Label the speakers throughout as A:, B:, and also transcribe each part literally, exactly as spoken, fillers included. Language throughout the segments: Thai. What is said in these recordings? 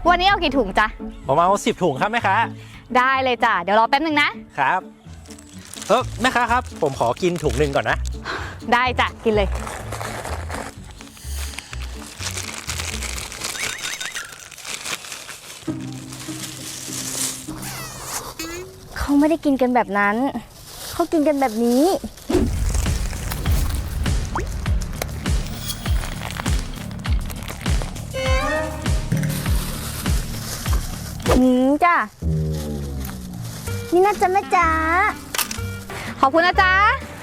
A: วันนี้เอากี่ถุงจ๊ะ
B: ผมเอาสิบถุงครับแม่ค้า
A: ได้เลยจ้ะเดี๋ยวรอแป๊บนึงนะครับ
B: เออแม่ค้าครับผมขอกินถุงหนึ่งก่อนนะ
A: ได้จ้ะกินเลย
C: เขาไม่ได้กินกันแบบนั้นเขากินกันแบบนี้หืมจ้ะนี่น่าจะแม่จ๋า
A: ขอบคุณนะจ๊ะ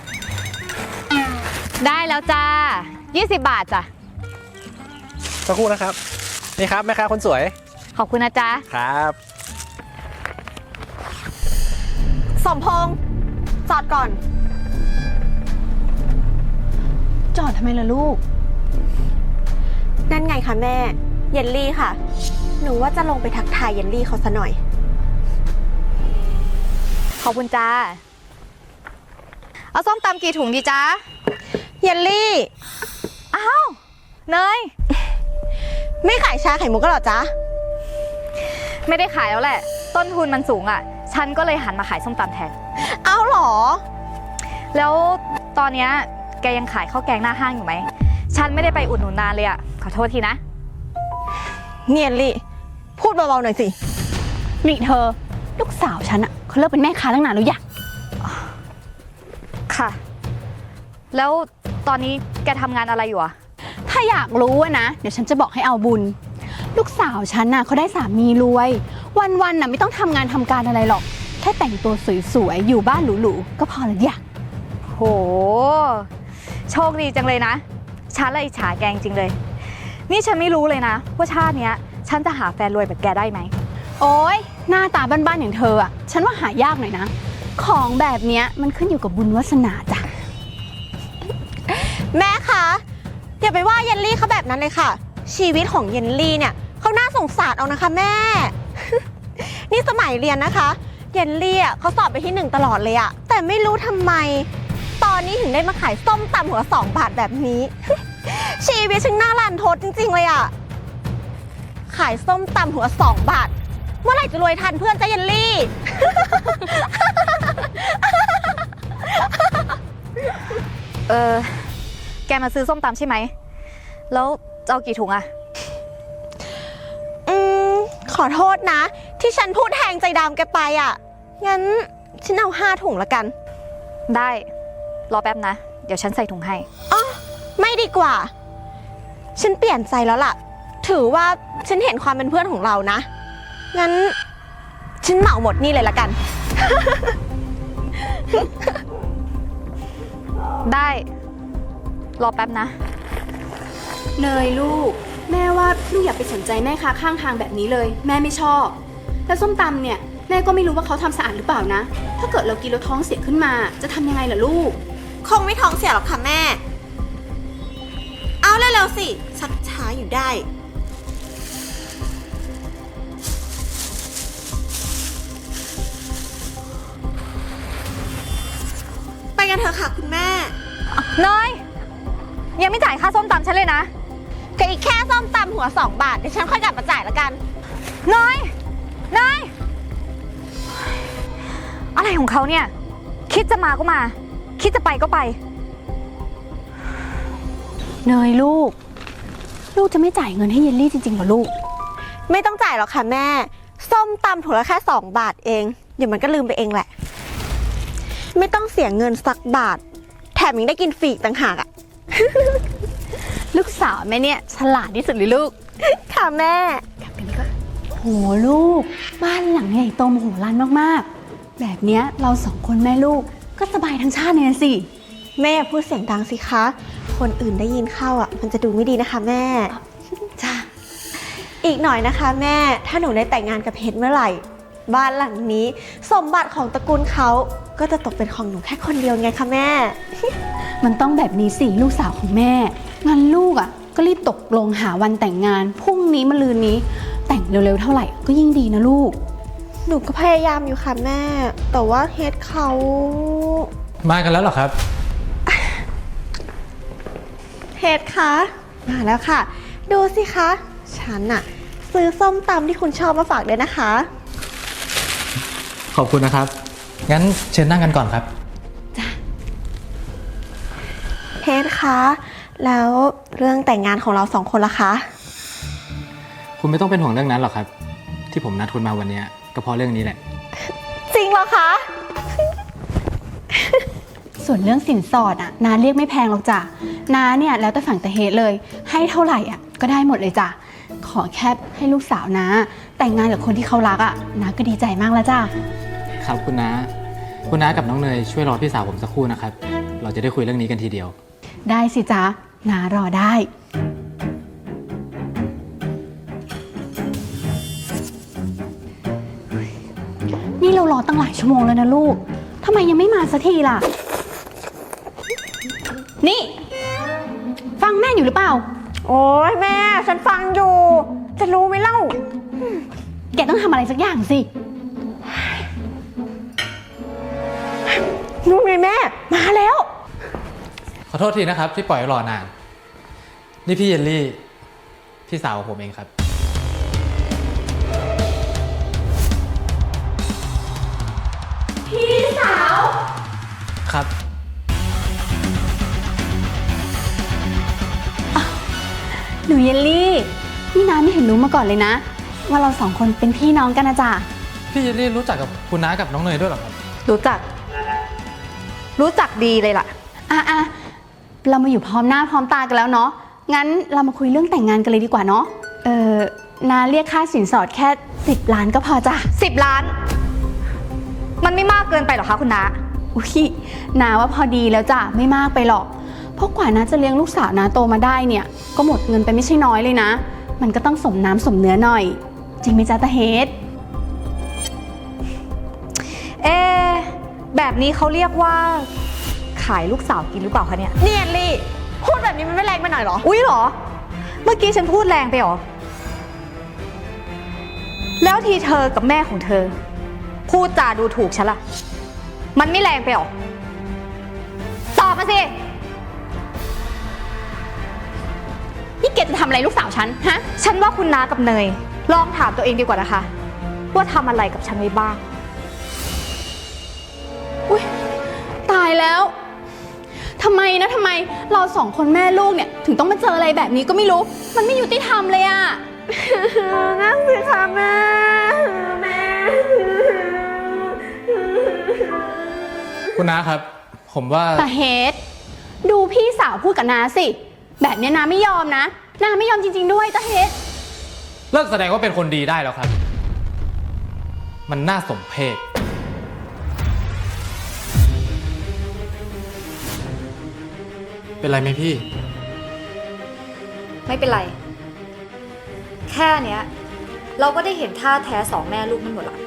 A: ได้แล้วจ้ายี่สิบบาทจ้ะ
B: สักครู่นะครับนี่ครับแม่ค้าคนสวย
A: ขอบคุณนะจ๊ะ
B: ครับ
D: สมพงษ์จอดก่อน
C: จอดทำไมล่ะลูก
D: นั่นไงคะแม่เยลลี่ค่ะหนูว่าจะลงไปทักทายเยลลี่เขาซะหน่อย
A: ขอบคุณจ้าเอาส้มตำกี่ถุงดีจ้า
D: เยลลี่
A: อ้าวเนย
D: ไม่ขายชาไข่มุกก็หรอจ๊ะ
A: ไม่ได้ขายแล้วแหละต้นทุนมันสูงอ่ะฉันก็เลยหันมาขายส้มตำแทน
D: เอาหรอ
A: แล้วตอนนี้แกยังขายข้าวแกงหน้าห้างอยู่ไหมฉันไม่ได้ไปอุดหนุนนานเลยอ่ะขอโทษทีนะ
D: เนียนลี่พูดเบาๆหน่อยสิ
C: นี่เธอลูกสาวฉันอะเขาเลิกเป็นแม่ค้าตั้งนานแล้วอยาก
A: ค่ะแล้วตอนนี้แกทำงานอะไรอยู่อะ
C: ถ้าอยากรู้นะเดี๋ยวฉันจะบอกให้เอาบุญลูกสาวฉันน่ะเขาได้สามีรวยวันๆน่ะไม่ต้องทำงานทำการอะไรหรอกแค่แต่งตัวสวยๆอยู่บ้านหรูๆก็พอแล้วอยาก
A: โหโชคดีจังเลยนะฉันละอิจฉาแกจริงเลยนี่ฉันไม่รู้เลยนะว่าชาติเนี้ยฉันจะหาแฟนรวยแบบแกได้ไหม
C: โอ๊ยหน้าตาบ้านๆอย่างเธออ่ะฉันว่าหายากหน่อยนะของแบบเนี้ยมันขึ้นอยู่กับบุญวาสนาจ้ะ
D: แม่คะอย่าไปว่าเยลลี่เขาแบบนั้นเลยค่ะชีวิตของเยลลี่เนี่ยเขาน่าสงสารเอานะคะแม่ นี่สมัยเรียนนะคะเยลลี่อ่ะเขาสอบไปที่หนึ่งตลอดเลยอะแต่ไม่รู้ทำไมตอนนี้ถึงได้มาขายส้มตำหัวสองบาทแบบนี้ ชีวิตช่างน่ารันทดจริงๆเลยอะขายส้มตำหัวสองบาทเมื่อไหร่จะรวยทันเพื่อนจ้าเยลลี่
A: เออแกมาซื้อส้มตำใช่ไหมแล้วจะเอากี่ถุงอะ
D: อืมขอโทษนะที่ฉันพูดแทงใจดำแกไปอะงั้นฉันเอาห้าถุงละกัน
A: ได้รอแป๊บนะเดี๋ยวฉันใส่ถุงให้
D: อ๋อไม่ดีกว่าฉันเปลี่ยนใจแล้วล่ะถือว่าฉันเห็นความเป็นเพื่อนของเรานะงั้นฉันเหมาหมดนี่เลยละกัน
A: ได้รอแป๊บนะ
C: เนยลูกแม่ว่าลูกอย่าไปสนใจแม่ค้าข้างทางแบบนี้เลยแม่ไม่ชอบแล้วส้มตำเนี่ยแม่ก็ไม่รู้ว่าเขาทำสะอาดหรือเปล่านะถ้าเกิดเรากินแล้วท้องเสียขึ้นมาจะทำยังไงล่ะลูก
D: คงไม่ท้องเสียหรอกค่ะแม่เอาเร็วๆสิชักช้าอยู่ได้ไปกันเถอะค่ะคุณแม่
A: เนยยังไม่จ่ายค่าส้มตำฉันเลยนะ
D: ก็อีกแค่ส้มตำหัวสองบาทเดี๋ยวฉันค่อยกลับมาจ่ายละกัน
A: เนยเนยอะไรของเขาเนี่ยคิดจะมาก็มาคิดจะไปก็ไป
C: เนยลูกลูกจะไม่จ่ายเงินให้เยลลี่จริงๆเหรอลูก
D: ไม่ต้องจ่ายหรอกค่ะแม่ส้มตำถุงละแค่สองบาทเองเดี๋ยวมันก็ลืมไปเองแหละไม่ต้องเสียเงินสักบาทแถมยังได้กินฟรีต่างหากอ่ะ
C: ลูกสาวแม่เนี่ยฉลาดที่สุดเลยลูก
D: ค่ะแม่
C: กลับกันดีกว่าโหลูกบ้านหลังใหญ่โตมโหฬารมากๆแบบเนี้ยเราสองคนแม่ลูกก็สบายทั้งชาติเลยสิ
D: แม่พูดเสียงดังสิคะคนอื่นได้ยินเข้าอ่ะมันจะดูไม่ดีนะคะแม่
C: จ้า
D: อีกหน่อยนะคะแม่ถ้าหนูได้แต่งงานกับเพชรเมื่อไหร่บ้านหลังนี้สมบัติของตระกูลเขาก็จะตกเป็นของหนูแค่คนเดียวไงคะแม่
C: มันต้องแบบนี้สิลูกสาวของแม่งั้นลูกอ่ะก็รีบตกลงหาวันแต่งงานพรุ่งนี้มะรืนนี้แต่งเร็วๆเท่าไหร่ก็ยิ่งดีนะลูก
D: หนูก็พยายามอยู่ค่ะแม่แต่ว่าเฮดเขา
B: มากันแล้วเหรอครับ
D: เฮดคะมาแล้วค่ะดูสิคะฉันอะซื้อส้มตำที่คุณชอบมาฝากด้วยนะคะ
B: ขอบคุณนะครับ งั้นเชิญนั่งกันก่อนครับ
D: เพชรคะ แล้วเรื่องแต่งงานของเราสองคนล่ะคะ
B: คุณไม่ต้องเป็นห่วงเรื่องนั้นหรอกครับ ที่ผมนัดคุณมาวันนี้ก็เพราะเรื่องนี้แหละ
D: จริงเหรอคะ
C: ส่วนเรื่องสินสอดอ่ะน้าเรียกไม่แพงหรอกจ้ะน้าเนี่ยแล้วแต่ฝั่งตะเฮดเลย ให้เท่าไหร่อ่ะก็ได้หมดเลยจ้ะขอแค่ให้ลูกสาวน้าแต่งงานกับคนที่เขารักอ่ะน้าก็ดีใจมากแล้วจ้ะ
B: ครับคุณน้า คุณน้ากับน้องเนยช่วยรอพี่สาวผมสักครู่นะครับ เราจะได้คุยเรื่องนี้กันทีเดียว
C: ได้สิจ๊ะน้ารอได้นี่เรารอตั้งหลายชั่วโมงแล้วนะลูกทำไมยังไม่มาสักทีล่ะ นี่ ฟังแม่อยู่หรือเปล่า
D: โอ้ยแม่ ฉันฟังอยู่ จะรู้ไหมเล่า
C: แกต้องทำอะไรสักอย่างสิ
D: นู่นไงแม่ มาแล้ว
B: ขอโทษทีนะครับที่ปล่อยให้รอนาน นี่พี่เยลลี่ พี่สาวของผมเองครับ
C: พี่สาว
B: ครับ
C: หนูเยลลี่ นี่น้าไม่เห็นรู้มาก่อนเลยนะ ว่าเราสองคนเป็นพี่น้องกันนะจ๊ะ
B: พี่เยลลี่รู้จักกับคุณน้ากับน้องเนยด้วยเหรอครับ
A: รู้จัก รู้จักดีเลยล่ะ
C: อ่ะอ่ะเรามาอยู่พร้อมหน้าพร้อมตากันแล้วเนาะ งั้นเรามาคุยเรื่องแต่งงานกันเลยดีกว่าเนาะ เออนาเรียกค่าสินสอดแค่สิบล้านก็พอจ้ะ
A: สิบล้าน มันไม่มากเกินไปหรอคะคุณน้า
C: อุ้ยนาว่าพอดีแล้วจ้ะ ไม่มากไปหรอก เพราะกว่านาจะเลี้ยงลูกสาวนาโตมาได้เนี่ย ก็หมดเงินไปไม่ใช่น้อยเลยนะ มันก็ต้องสมน้ำสมเนื้อหน่อย จริงไหมจ๊ะตาเฮด
A: เอ๊ะแบบนี้เขาเรียกว่า ขายลูกสาวกินหรือเปล่าคะเนี่ย
D: เนียนลี่ พูดแบบนี้มันไม่แรงไปหน่อยเหรอ
A: อุ๊ยเหรอ เมื่อกี้ฉันพูดแรงไปเหรอ แล้วทีเธอกับแม่ของเธอ พูดจาดูถูกฉันล่ะ มันไม่แรงไปเหรอ ตอบมาสิ
C: นี่แกจะทำอะไรลูกสาวฉัน ฮะ
A: ฉันว่าคุณน้ากับเนย ลองถามตัวเองดีกว่านะคะ ว่าทำอะไรกับฉันไว้บ้าง
C: อุ๊ยตายแล้ว ทำไมนะทำไมเราสองคนแม่ลูกเนี่ยถึงต้องมาเจออะไรแบบนี้ก็ไม่รู้ มันไม่ยุติธรรมเลยอะ
D: นั่งสิคะแม่ แม่
B: คุณน้าครับ ผมว่า
C: แต่เฮดดูพี่สาวพูดกับนาสิ แบบเนี้ยนาไม่ยอมนะนาไม่ยอมจริงๆด้วยตาเฮด
B: เลิกแสดงว่าเป็นคนดีได้แล้วครับ มันน่าสมเพช เป็นไรไหมพี่
A: ไม่เป็นไร แค่เนี้ย เราก็ได้เห็นท่าแท้สองแม่ลูกมันหมดละ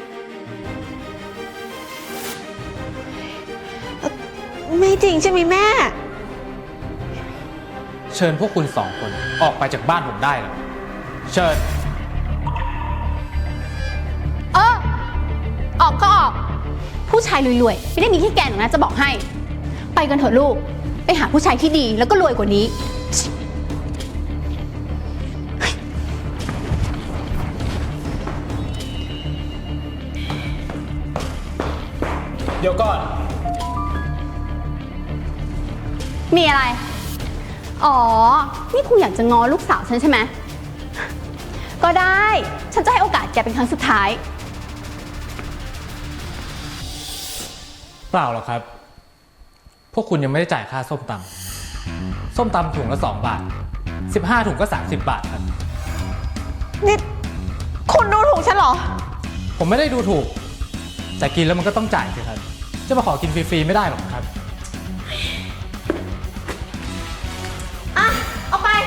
D: ไม่จริงใช่ไหมแม่
B: เชิญพวกคุณสองคนออกไปจากบ้านผมได้แล้ว เชิญ
C: เออออกก็ออก ผู้ชายรวยๆไม่ได้มีที่แกนหรอกนะจะบอกให้ ไปกันเถอะลูก ไปหาผู้ชายที่ดีแล้วก็รวยกว่านี้
B: เดี๋ยวก่อน
C: มีอะไร อ๋อ นี่คุณอยากจะง้อลูกสาวฉันใช่ไหม ก็ได้ ฉันจะให้โอกาสแกเป็นครั้งสุดท้าย
B: เปล่าหรอกครับ พวกคุณยังไม่ได้จ่ายค่าส้มตำส้มตำถุงละสองบาท สิบห้าถุงก็สามสิบบาทครับ
D: นี่ คุณดูถูกฉันเหรอ
B: ผมไม่ได้ดูถูก แต่กินแล้วมันก็ต้องจ่ายสิครับ จะมาขอกินฟรีๆไม่ได้หรอกครับ
C: อ่ะ เอาไป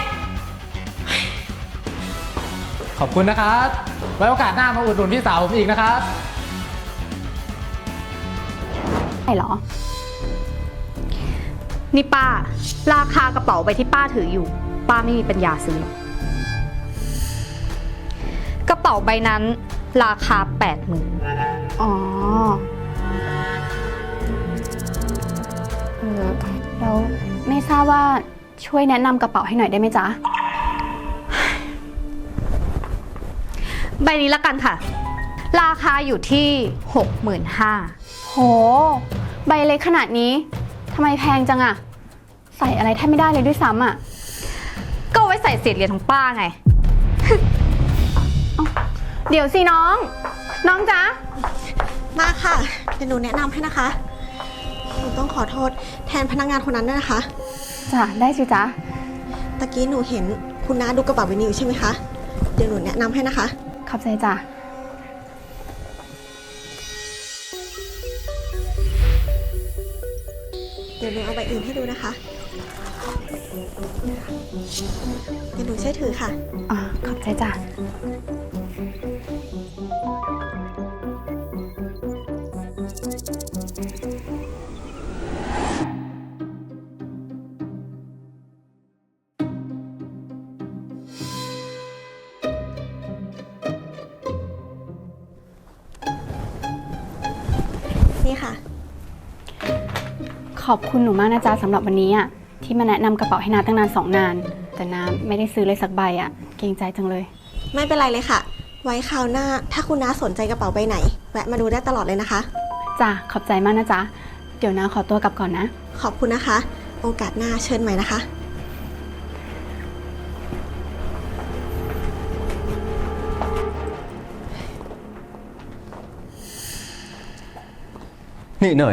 B: ขอบคุณนะครับ ไว้โอกาสหน้ามาอุดหนุนพี่สาวผมอีกนะครับ
C: ใช่เหรอ
A: นี่ป้า ราคากระเป๋าใบที่ป้าถืออยู่ ป้าไม่มีปัญญาซื้อหรอกกระเป๋าใบนั้นราคาแปดหมื่น
C: อ๋อ เออแล้วไม่ทราบว่าช่วยแนะนำกระเป๋าให้หน่อยได้ไหมจ๊ะ
A: ใบนี้ละกันค่ะ ราคาอยู่ที่ หกหมื่นห้าพัน
C: โห ใบเล็กขนาดนี้ทำไมแพงจังอะใส่อะไรแทบไม่ได้เลยด้วยซ้ำอะ
A: ก็เอาไว้ใส่เศษเหรียญของป้าไง
C: เดี๋ยวสิน้อง น้องจ๊ะ
D: มาค่ะ เดี๋ยวหนูแนะนำให้นะคะ หนูต้องขอโทษแทนพนักงานคนนั้นด้วยนะคะ
C: จ้ะ ได้สิจ๊ะ
D: ตะกี้หนูเห็นคุณน้าดูกระเป๋าใบนี้อยู่ใช่ไหมคะ เดี๋ยวหนูแนะนำให้นะคะ
C: ขอบใจจ้ะ
D: เดี๋ยวหนูเอาใบอื่นให้ดูนะคะ เดี๋ยวหนูช่วยถือค่ะ
C: อ่า ขอบใจจ้ะ
D: นี่ค่ะ
C: ขอบคุณหนูมากนะจ๊ะสำหรับวันนี้อ่ะที่มาแนะนำกระเป๋าให้นาตั้งนานสองนาน แต่นาไม่ได้ซื้อเลยสักใบอ่ะเกรงใจจังเลย
D: ไม่เป็นไรเลยค่ะ ไว้คราวหน้าถ้าคุณน้าสนใจกระเป๋าใบไหน แวะมาดูได้ตลอดเลยนะคะ
C: จ้ะ ขอบใจมากนะจ๊ะ เดี๋ยวนาขอตัวกลับก่อนนะ
D: ขอบคุณนะคะ โอกาสหน้าเชิญใหม่นะคะ
E: นี่เนย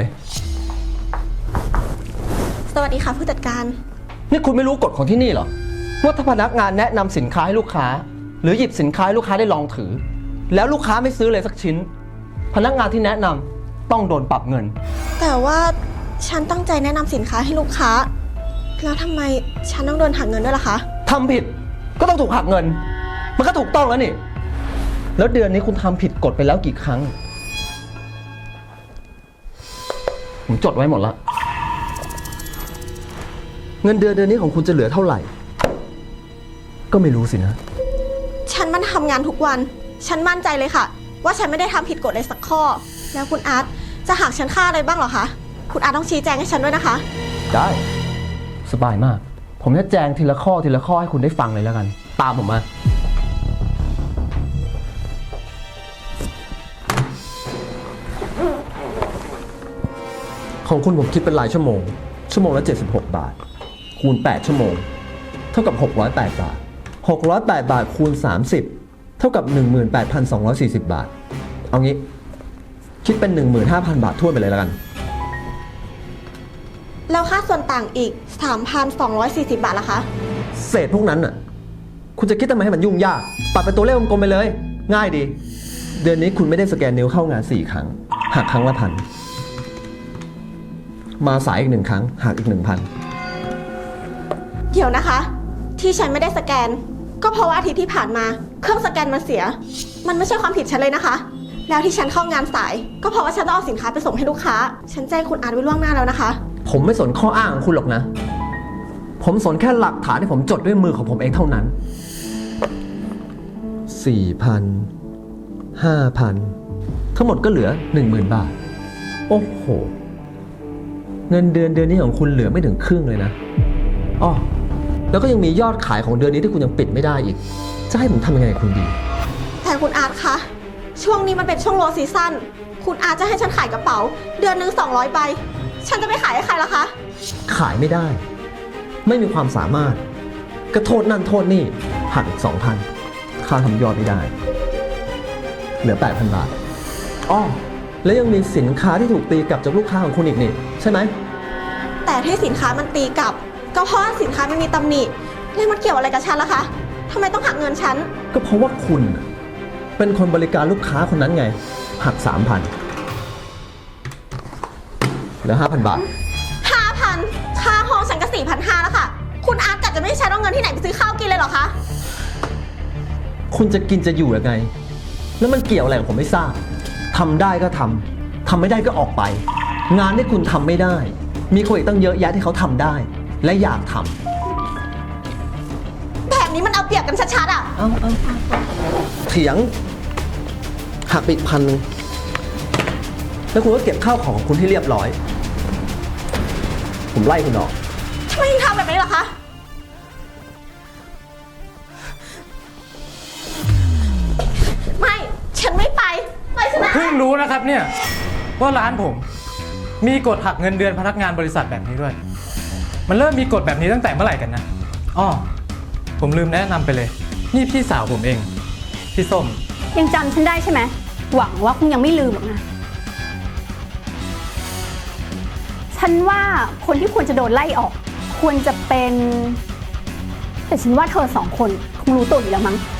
D: สวัสดีค่ะผู้จัดการ
E: นี่คุณไม่รู้กฎของที่นี่เหรอ ว่าถ้าพนักงานแนะนำสินค้าให้ลูกค้า หรือหยิบสินค้าให้ลูกค้าได้ลองถือ แล้วลูกค้าไม่ซื้อเลยสักชิ้น พนักงานที่แนะนำต้องโดนปรับเงิน
D: แต่ว่าฉันตั้งใจแนะนำสินค้าให้ลูกค้า แล้วทำไมฉันต้องโดนหักเงินด้วยล่ะคะ
E: ทำผิดก็ต้องถูกหักเงิน มันก็ถูกต้องแล้วนี่ แล้วเดือนนี้คุณทำผิดกฎไปแล้วกี่ครั้ง ผมจดไว้หมดแล้ว เงินเดือนเดือนนี้ของคุณจะเหลือเท่าไหร่ ก็ไม่รู้สินะ
D: ฉันมันทำงานทุกวัน ฉันมั่นใจเลยค่ะ ว่าฉันไม่ได้ทำผิดกฎเลยสักข้อ แล้วคุณอาร์ตจะหักฉันค่าอะไรบ้างเหรอคะ คุณอาร์ตต้องชี้แจงให้ฉันด้วยนะคะ
E: ได้ สบายมาก ผมจะแจงทีละข้อทีละข้อให้คุณได้ฟังเลยแล้วกัน ตามผมมา ของคุณผมคิดเป็นรายชั่วโมง ชั่วโมงละเจ็ดสิบหกบาท คูณแปดชั่วโมง เท่ากับหกร้อยแปดบาทหกร้อยแปดบาทคูณสามสิบเท่ากับ หนึ่งหมื่นแปดพันสองร้อยสี่สิบ บาท เอางี้ คิดเป็น หนึ่งหมื่นห้าพัน บาททั่วไปเลยแล้วกัน
D: แล้วค่าส่วนต่างอีก สามพันสองร้อยสี่สิบ บาทล่ะคะ
E: เศษพวกนั้นน่ะ คุณจะคิดทำไมให้มันยุ่งยาก ปัดเป็นตัวเลขกลมๆไปเลย ง่ายดี เดือนนี้คุณไม่ได้สแกนนิ้วเข้างานสี่ครั้ง หักครั้งละพัน มาสายอีกหนึ่งครั้ง หักอีกหนึ่งพัน
D: เดี๋ยวนะคะ ที่ฉันไม่ได้สแกน ก็เพราะว่าอาทิตย์ที่ผ่านมา เครื่องสแกนมันเสีย มันไม่ใช่ความผิดฉันเลยนะคะ แล้วที่ฉันเข้างานสาย ก็เพราะว่าฉันต้องเอาสินค้าไปส่งให้ลูกค้า ฉันแจ้งคุณอาร์ตไว้ล่วงหน้าแล้วนะคะ
E: ผมไม่สนข้ออ้างของคุณหรอกนะ ผมสนแค่หลักฐานที่ผมจดด้วยมือของผมเองเท่านั้น สี่พัน ห้าพัน ทั้งหมดก็เหลือ หนึ่งหมื่น บาท โอ้โห เงินเดือนเดือนนี้ของคุณเหลือไม่ถึงครึ่งเลยนะอ้อแล้วก็ยังมียอดขายของเดือนนี้ที่คุณยังปิดไม่ได้อีก จะให้ผมทำยังไงกับคุณดี
D: แต่คุณอาร์ตคะ ช่วงนี้มันเป็นช่วงโลซีซั่น คุณอาร์ตจะให้ฉันขายกระเป๋า เดือนหนึ่งสองร้อยใบ ฉันจะไปขายให้ใครล่ะคะ
E: ขายไม่ได้ ไม่มีความสามารถก็โทษนั่นโทษนี่หักอีกสองพันค่าทำยอดไม่ได้ เหลือแปดพันบาทอ้อแล้วยังมีสินค้าที่ถูกตีกลับจากลูกค้าของคุณอีกนี่ใช่ไหม
D: แต่ที่สินค้ามันตีกลับ ก็เพราะว่าสินค้ามันมีตำหนิแล้วมันเกี่ยวอะไรกับฉันล่ะคะทำไมต้องหักเงินฉัน
E: ก็เพราะว่าคุณน่ะเป็นคนบริการลูกค้าคนนั้นไง หักสามพันเหลือห้าพันบาท
D: ห้าพัน ค่าห้องฉันก็สี่พันห้าแล้วค่ะ คุณอาร์ตกะจะไม่ให้ฉันเอาเงินที่ไหนไปซื้อข้าวกินเลยเหรอคะ
E: คุณจะกินจะอยู่ยังไง แล้วมันเกี่ยวอะไรกับผมไม่ทราบทำได้ก็ทำทำไม่ได้ก็ออกไป งานที่คุณทำไม่ได้ มีคนอีกตั้งเยอะแยะที่เขาทำได้ และอยากทำ
D: แบบนี้มันเอาเปรียบกันชัดๆอ่ะ
E: เอาเอาเถียง หักไปอีกพันหนึ่งแล้วคุณก็เก็บข้าวของคุณให้เรียบร้อย ผมไล่คุณออก
D: ทำไมถึงทำแบบนี้ล่ะคะ ไม่
B: รู้นะครับเนี่ยว่าร้านผม มีกฎหักเงินเดือนพนักงานบริษัทแบบนี้ด้วย มันเริ่มมีกฎแบบนี้ตั้งแต่เมื่อไหร่กันนะอ้อผมลืมแนะนำไปเลย นี่พี่สาวผมเอง พี่ส้ม
C: ยังจำฉันได้ใช่ไหม หวังว่าคงยังไม่ลืมหรอกนะ ฉันว่าคนที่ควรจะโดนไล่ออก ควรจะเป็น แต่ฉันว่าเธอสองคนคงรู้ตัวอยู่แล้วมั้ง